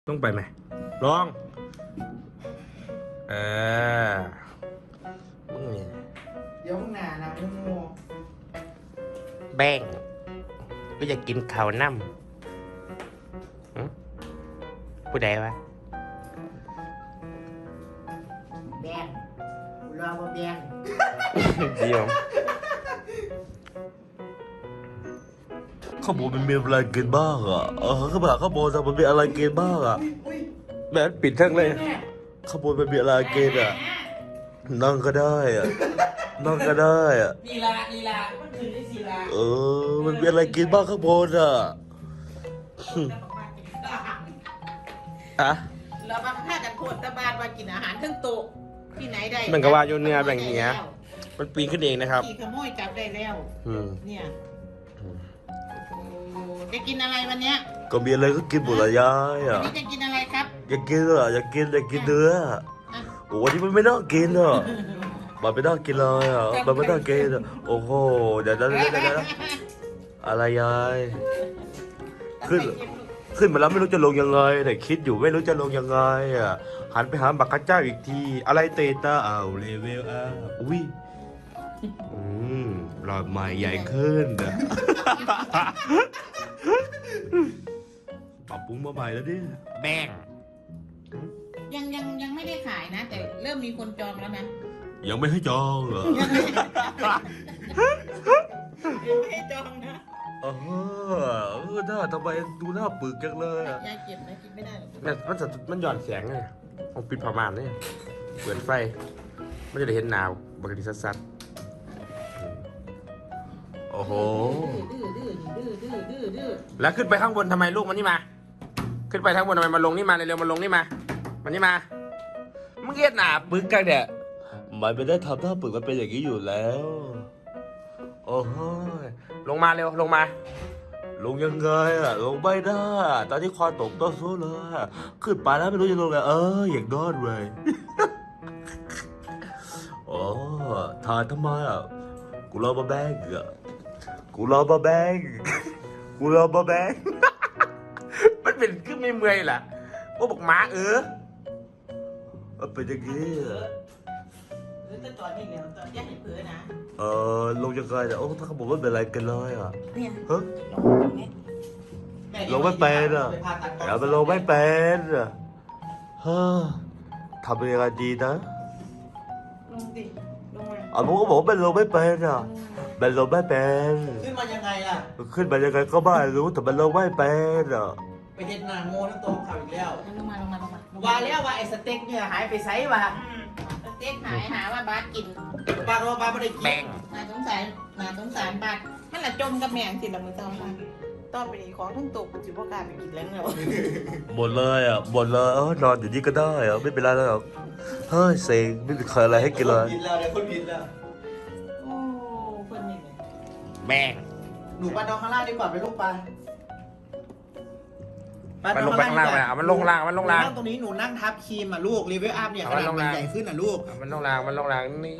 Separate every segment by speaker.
Speaker 1: ต้องไปไหมลองเออมึงเนี่ย
Speaker 2: เดี๋ยวมึงหนานะมึงโง่
Speaker 1: แบ่งก็อยากกินข้าวน้ำผู้ใดวะ
Speaker 2: แบงกูรอว่าแบง
Speaker 1: ดีมั้ง
Speaker 3: ข้าวโพดมันมีอะไรกินบ้างอ่ะข้าวผัดข้าวโพดมันมีอะไรกินบ้างอ่ะ
Speaker 2: อุ้ย
Speaker 1: แม่ปิดทั้งเลย
Speaker 2: แม่
Speaker 3: ข้าวโพดมันมีอะไรกินอ่ะ นั่งก็ได้อ่ะ นั่งก็ได้อ่ะ
Speaker 2: ลีลามันคือได้ลีลา
Speaker 3: มันมีอะไรกินบ้างข้าวโพดอ่ะ
Speaker 1: อะ
Speaker 2: เรามาฆ่ากันโคตรตะบานว่ากินอาหารเครื่องโต๊ะที่ไหนได้
Speaker 1: มันก็ว่าอยู่เนื้อแบ่งเนี้ยมันปีนขึ้นเองนะครับ
Speaker 2: ขี่ขโมยจับได้แล้ว
Speaker 1: อืม
Speaker 2: เนี่ยโอ้จะกินอะไรวันเนี้ย
Speaker 3: ก็มีอะไรก็กินหมดละยาย
Speaker 2: วัน
Speaker 3: อ่ะ
Speaker 2: นี้จะกินอะไรครับ
Speaker 3: อยากกินอ่ะอยากกินเนื้อ
Speaker 2: อ่ะ
Speaker 3: โอ้วันนี้มันไม่น่ากินอ่ะมันไม่น่ากินเลยอ่ะมันไม่น่ากินอ่ะโอ้โหเดี๋ยวอะไรยายขึ้นมาแล้วไม่รู้จะลงยังไงแต่คิดอยู่ไม่รู้จะลงยังไงอ่ะหันไปหาบักกะเจ้าอีกทีอะไรเตต้าเลเวลอุ้ยหลอดใหม่ใหญ่ขึ้นอ่ะ ปรับปรุงมาใหม่แล้วดิ
Speaker 1: แบ่ง
Speaker 2: ยังไม่ได้ขายนะ แต่เริ่มมีคนจองแล้วนะ
Speaker 3: ยังไม่ให้จองเหรอ
Speaker 2: ยังไม่ได้จองนะ
Speaker 3: หน้าทำไมดูหน้าปึกจังเลยอะ
Speaker 2: ยายเก็บนะกินไม่ได้หรอก
Speaker 1: มันหย่อนแสงไงผมปิดผ้าม่านเนี่ยเปิดไฟมันจะได้เห็นหนาวปกติสัดโอ้โห
Speaker 2: ดื้อ
Speaker 1: แล้วขึ้นไปข้างบนทำไมลูกมันนี่มา ขึ้นไปข้างบนทำไมมาลงนี่มาเร็วๆมาลงนี่มามันนี่มามึงเกียดหนาปึกกันเด้อ
Speaker 3: มันไม่ได้ทำหน้าปึกมันเป็นอย่างนี้อยู่แล้ว โอ้โห
Speaker 1: ลงมาเร็วลงมา
Speaker 3: ลงยังไงอะลงไม่ได้อะตอนที่คอตกต้นสู้เลยอะขึ้นไปแล้วไม่รู้จะลงไงอย่างนอนเลยโอ้ถ่ายทำไมอ่ะกูรอมาแบงอ่ะกูรอมาแบงกูรอมาแบง
Speaker 1: มันเป็นขึ้นไม่เมื่อยล่ะโอ้บอกหมา
Speaker 3: มันเป็นอย่างนี้อะ
Speaker 2: หรือตอนนี้เดี๋ยวตอนย่าให้เผือนะ
Speaker 3: ลงยังไงเนี่ยโอ้ถ้าเขาบอกว่าเป็นอะไรกันเลยอ่ะ
Speaker 2: เนี่ย
Speaker 3: ฮะ
Speaker 2: ลงไหม
Speaker 3: ลงไม่เป็นอ่ะอย่าไปลงไม่เป็นอ่ะเฮ้อทำยังไงดีนะ
Speaker 2: ลงดิลงมา
Speaker 3: ผมก็บอกว่าเป็นลงไม่เป็นอ่ะเป็นลงไม่เป็น
Speaker 4: ขึ้นมายังไงล่ะ
Speaker 3: ขึ้นไปยังไงก็ไม่รู้แต่มันลงไม่เป็นอ่ะ
Speaker 4: ไปเห็นหน้าโง่ทั้งตัวเขาอีกแล้ว
Speaker 2: ลงมา
Speaker 4: ว่าแล้วว่าไอ้สเต็กเนี่ยหายไปไซส์ว่ะ
Speaker 2: สเต็กหายหาว่าบาสกิน
Speaker 4: ปากว่าปลาไม่ได้กิน
Speaker 1: แบ่ง
Speaker 2: นาสงสารบาสมันละจมกับแมงสิละมือเจ้าค่ะต้อนไปดีของทั้งตกจิบว่ากล้าไปกินแล้วเนาะ
Speaker 3: หมดเลยอ่ะหมดเลยนอนอยู่นี่ก็ได้อ่ะไม่เป็นไรแล้วหรอกเฮ้ยเซ็งไม่มีใครอะไรให้กินเลย
Speaker 4: ผิดแล้วเดี๋ยวคนผิดแล้ว
Speaker 2: โอ้เพิ่นนี่เลย
Speaker 1: แบ่ง
Speaker 4: หนูปลาดองข้างล่างดีกว่าไปลูกปลา
Speaker 1: มันลงไปข้างล่างไปเอามันลงล่างมันลงล่าง
Speaker 4: นั่งตรงนี้หนูนั่งทับครีมอ่ะลูกรีวิวอัพเนี่ย
Speaker 1: เอา
Speaker 4: ข
Speaker 1: มัน
Speaker 4: นาด
Speaker 1: ลง
Speaker 4: มัน
Speaker 1: ล่าง
Speaker 4: ใหญ่ขึ้นอ่ะลูก
Speaker 1: มันลงล่างมันลงล่างนี่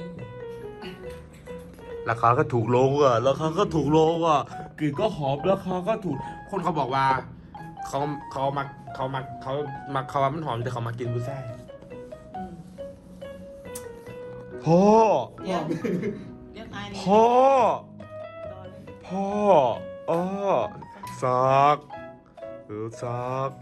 Speaker 3: ราคาก็ถูกลงอ่ะราคาก็ถูกลงอ่ะกลิ่นก็หอมราคาก็ถูก
Speaker 1: คนเขาบอกว่าเขามามันหอมแต่เขามากินบุษ่า
Speaker 3: พ่อ
Speaker 2: เดี๋ยวตายเลย
Speaker 3: พ่อพ่อซักซัก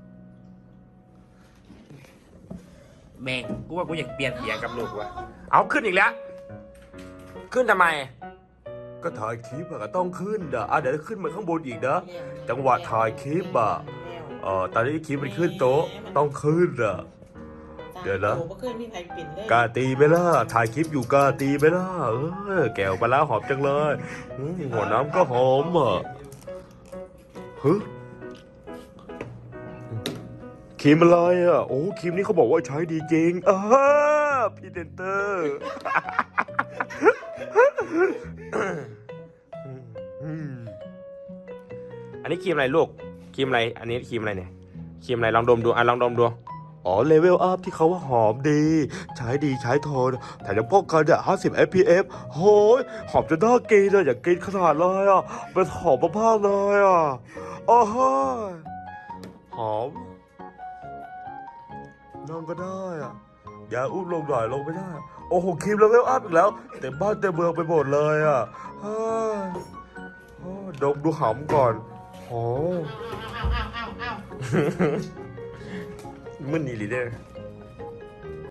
Speaker 1: แบ่งกูว่ากูอยากเปลี่ยนเสียงกับลูกว่ะเอาขึ้นอีกแล้วขึ้นทำไม
Speaker 3: ก็ถ่ายคลิปอะก็ต้องขึ้นอ่ะเดี๋ยวขึ้นมาข้างบนอีกนะจังหวะถ่ายคลิปอ่ะตอนนี้คลิปมันขึ้นโต๊ะต้องขึ้นอ่ะ เดี๋ยวนะ
Speaker 2: โอ้บ่เคยมีใครปิ่นเลย
Speaker 3: กล้าตีไหมล่ะถ่ายคลิปอยู่กล้าตีไหมล่ะแก้วปลาร้าหอมจังเลยหัวน้ำก็หอมอ่ะฮึครีมอะไรอ่ะโอ้ครีมนี้เขาบอกว่าใช้ดีจริงพรีเซนเตอร์
Speaker 1: อันนี้ครีมอะไรลูกครีมอะไรอันนี้ครีมอะไรเนี่ยครีมอะไรลองดมดูลองดมดู
Speaker 3: อ๋อเลเวลอัพที่เขาว่าหอมดีใช้ดีใช้ทนแต่ยังป้องกันเนี่ย50 fps โหยหอมจนน่ากินเลยอยากกินขนาดเลยอ่ะมันหอมมากๆเลยอ่ะโอ้โหหอมนั่งก็ได้อะอย่าอุ้มลงหน่อยลงไม่ได้ โอ้โหครีมเลเวลอัพอีกแล้วเต็มบ้านเต็มเมืองไปหมดเลยอ่ะเฮ้ยดมดูหำก่อนโอ้
Speaker 2: เอา
Speaker 3: มึนนี่ลีเด้อ
Speaker 2: เ